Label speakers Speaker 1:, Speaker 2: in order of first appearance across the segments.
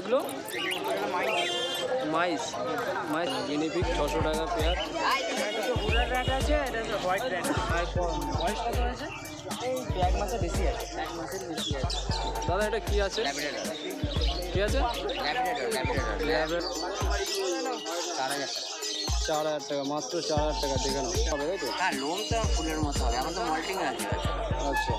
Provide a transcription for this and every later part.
Speaker 1: এগুলো মাইস মাইস গিনিপিগ 600 টাকা পেয়ার।
Speaker 2: আছে এটা হোয়াইট র্যাট।
Speaker 1: আর বয়স কত আছে?
Speaker 2: এই 1 মাসের বেশি আছে, 1 মাসের বেশি আছে।
Speaker 1: দাদা এটা কি আছে? কি আছে? 4,000 টাকা, মাত্র 4,000 টাকা। দেখে নাও হবে, তাই তো?
Speaker 2: হ্যাঁ, লোম তো ফুলের মতো হবে, এখন তো মল্টিং আছে।
Speaker 1: আচ্ছা,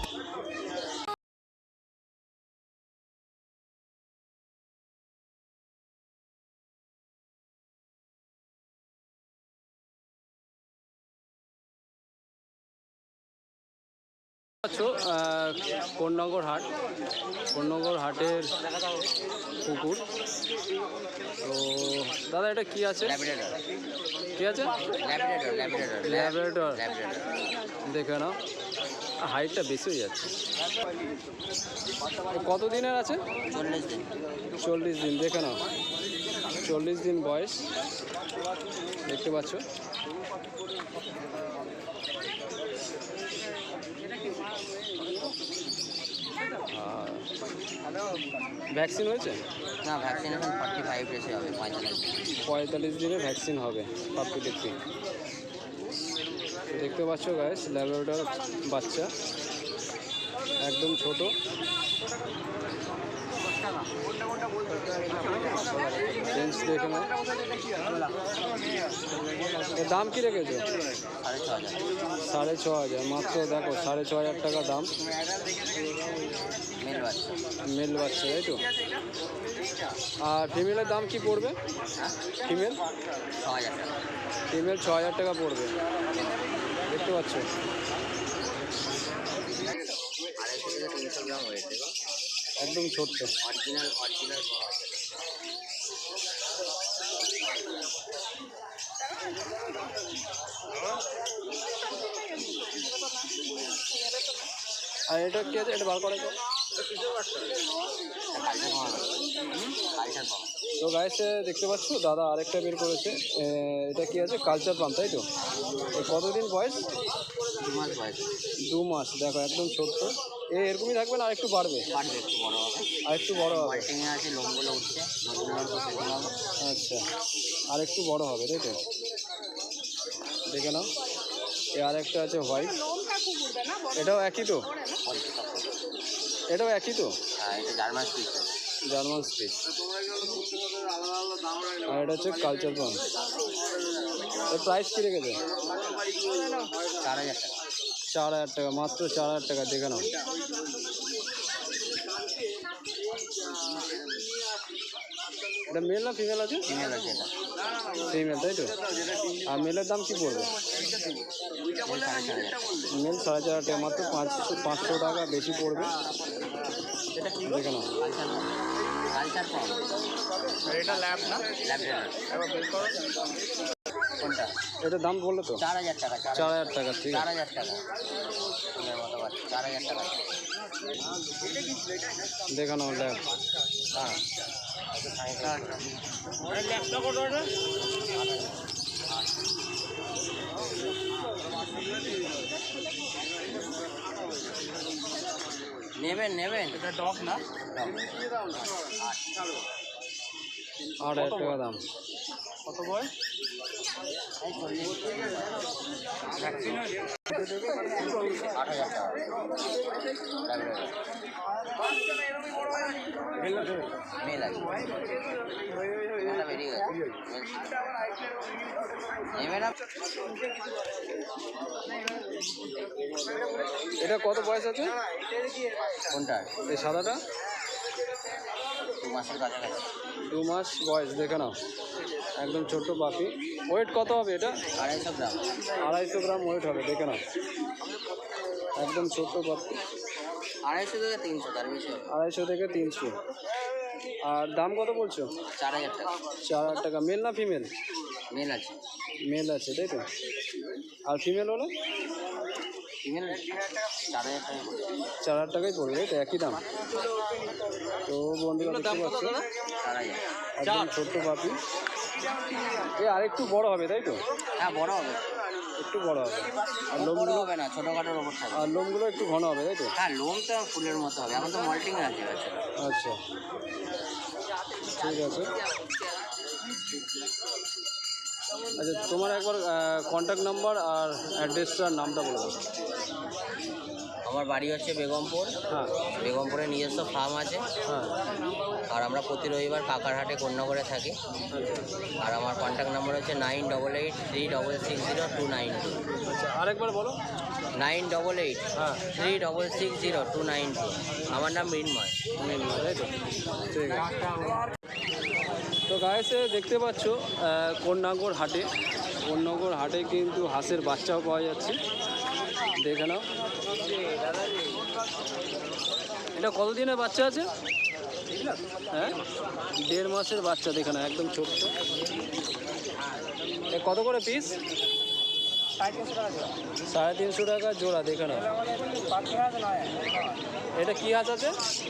Speaker 1: কোন্নগর হাট, কোন্নগর হাটের পুকুর। তো দাদা এটা কি আছে? কি আছে? ল্যাব্রাডর। দেখে নাও, হাইটটা বেশি হয়ে যাচ্ছে। কত দিনের আছে?
Speaker 2: 40 দিন।
Speaker 1: 40 দিন। দেখে নাও, 40 দিন বয়স, দেখতে পাচ্ছ। ভ্যাকসিন হয়েছে?
Speaker 2: না, ভ্যাকসিনেশন 45 ডেজে হবে,
Speaker 1: 45 দিনে ভ্যাকসিন হবে পাপ্পি টেপি। দেখতে পাচ্ছ গাইস, ল্যাব্রাডর বাচ্চা, একদম ছোট। রেঞ্জ দেখে নাও। এর দাম কি রেখেছো? 6,500। মাত্র দেখো 6,500 টাকা দাম। মেল বাচ্চা, তাই তো? আর ফিমেলের দাম কি পড়বে? ফিমেল 6,000 টাকা পড়বে। দেখতে পাচ্ছ, একদম ছোট্ট। আর এটা কি আছে? এটা বার করে তো। তো গাইস দেখতে পাচ্ছ, দাদা আরেকটা বের করেছে। এটা কি আছে? কালচার পাম্প, তাই তো? কতদিন বয়স?
Speaker 2: 2 মাস বয়স।
Speaker 1: 2 মাস। দেখো একদম ছোট্ট। এরকমই থাকবে না, আর একটু বাড়বে?
Speaker 2: একটু বড় হবে।
Speaker 1: আর একটু বড় হবে।
Speaker 2: মল্টিংয়ে আছে, লোমগুলো উঠছে, নতুন লোম তো সেগুলো হবে।
Speaker 1: আচ্ছা, আর একটু বড় হবে, তাই তো? দেখে নাও। আর একটা আছে হোয়াইট, এটাও একই তো? এটাও একই তো?
Speaker 2: হ্যাঁ, এটা জার্মান স্পিচ।
Speaker 1: German speech. আর এটা হচ্ছে কালচার পাম্প। এর প্রাইস কী রেখেছে?
Speaker 2: 4,000 টাকা।
Speaker 1: 4,000 টাকা, মাত্র 4,000 টাকা। দেখে নাও। এটা মেল না ফিমেল আছে?
Speaker 2: ফিমেল আছে এটা।
Speaker 1: ফিমেল, তাই তো? আর মেলের দাম কি পড়বে? মেল 4,500 টাকা, মাত্র 500 টাকা বেশি পড়বে। দেখে নাও।
Speaker 2: Culture pump.
Speaker 3: এটা ল্যাব না?
Speaker 2: কোনটা?
Speaker 1: এটার দাম বললো তো?
Speaker 2: 4,000 টাকা।
Speaker 1: 4,000 টাকা। ঠিক আছে।
Speaker 2: 4,000 টাকা। ফুলের মতো বাচ্চা, 4,000 টাকা।
Speaker 1: দেখে নাও ল্যাব।
Speaker 2: হ্যাঁ, নেবেন।
Speaker 3: এটা ডগ না?
Speaker 1: 8,000 টাকা দাম।
Speaker 3: কত বয়স? ভ্যাকসিন হয়েছে?
Speaker 2: 8,000 টাকা। মেল আছে, মেলটা বেরিয়ে গেছে। নেবে না?
Speaker 1: এটা কত বয়স আছে?
Speaker 2: কোনটা?
Speaker 1: এই সাদাটা?
Speaker 2: 2 মাসের কাছাকাছি।
Speaker 1: 2 মাস বয়স। দেখে নাও, একদম ছোট্ট পাখি। ওয়েট কত হবে এটা?
Speaker 2: 250 গ্রাম।
Speaker 1: 250 গ্রাম ওয়েট হবে। দেখে নাও, একদম ছোট্ট পাখি।
Speaker 2: 250 থেকে 300, তার বেশি হবে।
Speaker 1: 250 থেকে 300। আর দাম কত বলছো?
Speaker 2: 4,000 টাকা।
Speaker 1: 4,000 টাকা। মেল না ফিমেল?
Speaker 2: মেল আছে।
Speaker 1: মেল আছে, তাই তো? আর ফিমেল হলো?
Speaker 2: ফিমেল 4,000 টাকা।
Speaker 1: 4,000 টাকাই পড়বে, তাই তো? একই দাম। তো বন্ধুরা দেখতে পাচ্ছ,
Speaker 2: 4,000।
Speaker 1: একদম ছোট্ট পাখি। আর একটু বড় হবে, তাই তো?
Speaker 2: হ্যাঁ, বড় হবে,
Speaker 1: একটু বড় হবে। আর
Speaker 2: বড়
Speaker 1: লোমগুলো
Speaker 2: হবে না, ছোটোখাটোর ওপর থাকবে।
Speaker 1: আর লোমগুলো একটু ঘন হবে, তাই তো?
Speaker 2: হ্যাঁ, লোম তো ফুলের মতো হবে, এখন তো মল্টিং আছে।
Speaker 1: আচ্ছা, ঠিক আছে। আচ্ছা, তোমার একবার কন্ট্যাক্ট নাম্বার আর অ্যাড্রেসটার নামটা বলে দাও।
Speaker 2: আমার বাড়ি হচ্ছে বেগমপুর।
Speaker 1: হ্যাঁ
Speaker 2: বেগমপুরে নিজস্ব ফার্ম আছে।
Speaker 1: হ্যাঁ।
Speaker 2: আর আমরা প্রতি রবিবার কাকারহাটে কন্যাগড়ে থাকি। আর আমার কন্ট্যাক্ট নাম্বার হচ্ছে 9883660292।
Speaker 1: আচ্ছা, আরেকবার বলো।
Speaker 2: 9883660292।
Speaker 1: হ্যাঁ
Speaker 2: আমার নাম মৃন্ময়।
Speaker 1: তাই তো, ঠিক আছে। তো গায়েসে দেখতে পাচ্ছ কন্যাগড় হাটে, কন্যাগড় হাটে কিন্তু হাঁসের বাচ্চাও পাওয়া যাচ্ছে, দেখে নাও। এটা কতদিনের বাচ্চা আছে? হ্যাঁ, 1.5 মাসের বাচ্চা, দেখে নাও, একদম ছোট্ট। এ কত করে পিস? 350 টাকা জোড়া, দেখে নাও। এটা কি হাঁস আছে?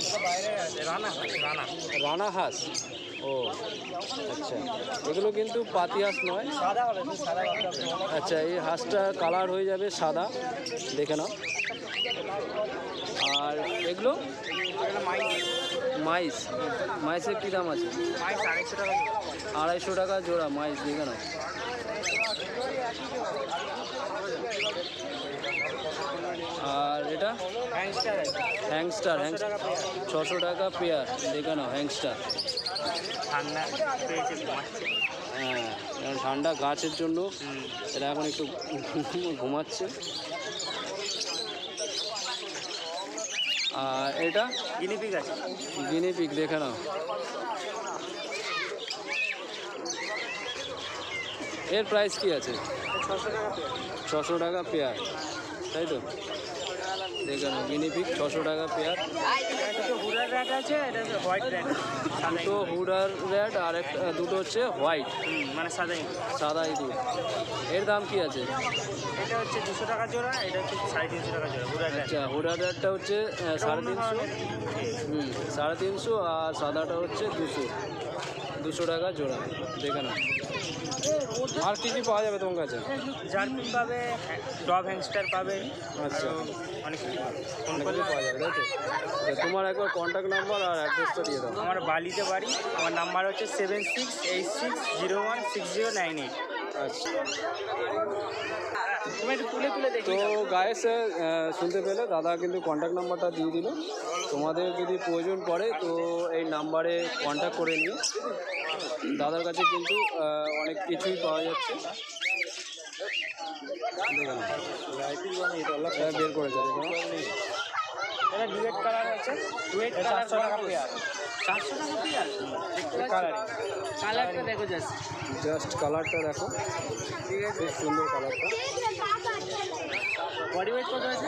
Speaker 1: রানা হাঁস। ও আচ্ছা, এগুলো কিন্তু পাতি হাঁস নয়। আচ্ছা, এই হাঁসটা কালার হয়ে যাবে সাদা, দেখে নাও। আর এগুলো মাইস, মাইসের কী দাম আছে? 250 টাকা জোড়া মাইস, দেখে নাও। আর এটা হ্যাংস্টার, 600 টাকা পেয়ার, দেখে নাও হ্যাংস্টার। হ্যাঁ, ঠান্ডা গাছের জন্য এটা এখন একটু ঘুমাচ্ছে। আর এটা
Speaker 3: গিনিপিগ আছে।
Speaker 1: গিনিপিগ, দেখে নাও। এর প্রাইস কি আছে? 600 টাকা পেয়ার, তাই তো, দেখে নাও। গিনিপিগ 600 টাকা পেয়ার।
Speaker 3: হুডার র্যাট আছে, এটা হচ্ছে হোয়াইট র্যাট।
Speaker 1: দুটো হুডার র্যাট আর দুটো হচ্ছে হোয়াইট,
Speaker 3: মানে সাদাই।
Speaker 1: সাদা ইঁদুর। এর দাম কি আছে?
Speaker 3: এটা হচ্ছে 200 টাকা জোড়া, এটা হচ্ছে 350 টাকা জোড়া হুডার র্যাট।
Speaker 1: আচ্ছা, হুডার র্যাটটা হচ্ছে 350, 350, আর সাদাটা হচ্ছে 200 টাকা জোড়া, দেখে নাও। আর কী কী পাওয়া যাবে তোমার কাছে?
Speaker 3: জার্পিন পাবে, ডব হ্যাংস্টার পাবে,
Speaker 1: আচ্ছা,
Speaker 3: অনেক কিছু পাবে।
Speaker 1: অনেক কিছু পাওয়া যাবে, তাই তো। আচ্ছা, তোমার একবার কন্ট্যাক্ট নাম্বার আর অ্যাড্রেসটা দিয়ে দাও।
Speaker 3: আমার বালিতে বাড়ি, আমার নাম্বার হচ্ছে 7686016098।
Speaker 1: আচ্ছা,
Speaker 3: তুমি একটু তুলে তুলে দেখি।
Speaker 1: তো গায়েস শুনতে পেলে দাদা কিন্তু কন্ট্যাক্ট নাম্বারটা দিয়ে দিল। তোমাদের যদি প্রয়োজন পড়ে তো এই নাম্বারে কন্ট্যাক্ট করে নিও। দাদার কাছে কিন্তু অনেক কিছুই পাওয়া যাচ্ছে, দেখুন বের করেছে, দেখুন।
Speaker 3: এটা ডুয়েট কালার আছে, ডুয়েট 400 টাকা পেয়ার। 400 টাকা পেয়ার কালারটা দেখো,
Speaker 1: জাস্ট কালারটা দেখো, ঠিক আছে, খুব সুন্দর কালারটা।
Speaker 3: বডি ওয়েট কত আছে?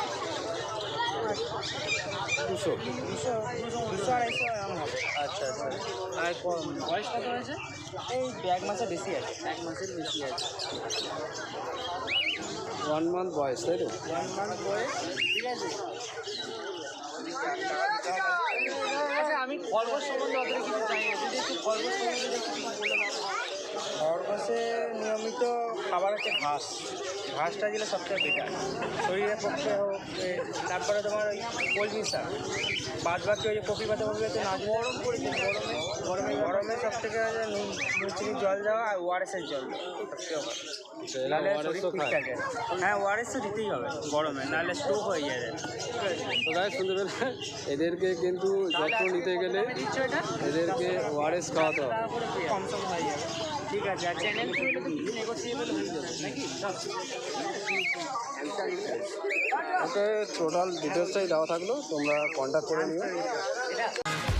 Speaker 1: 200
Speaker 3: 200-250 এরকম হবে। আচ্ছা আচ্ছা। আর বয়স কত হয়েছে? এই 1 মাসের বেশি আছে। 1 মাসের বেশি আছে।
Speaker 1: 1 মান্থ বয়স, তাই তো?
Speaker 3: 1 মান্থ বয়স, ঠিক আছে। আচ্ছা, আমি খরগোশ সম্বন্ধে অতটা কিছু জানি না, যদি একটু খরগোশ সম্বন্ধে কিছু বলে দাও। খরগোশের নিয়মিত খাবার হচ্ছে ঘাস। ঘাসটা দিলে সবচেয়ে বেটার, শরীরের পক্ষে হোক। তারপরে তোমার ওই কলমি শাক, বাদ বাকি ওই যে কপি পাতা না। গরম পড়েছে, গরমে সব থেকে নুন চিনি জল দেওয়া আর ওআরএসের জল সবচেয়ে ভালো। নাহলে শরীর ঠিক থাকে। হ্যাঁ, ওআরএস তো দিতেই হবে গরমে, নাহলে স্ট্রোক হয়ে যায়।
Speaker 1: তো গায়ে শুনতে পেলে এদেরকে কিন্তু যত্ন নিতে গেলে এদেরকে ওআরএস খাওয়াতে হবে।
Speaker 3: কম সম হয়ে যাবে, ঠিক আছে। আর চ্যানেল খুললে তো কিছু নেগোসিয়েবল হয়ে যাবে নাকি?
Speaker 1: ওকে, টোটাল ডিটেলসটাই দেওয়া থাকলো, তোমরা কন্ট্যাক্ট করে নিও।
Speaker 3: এটা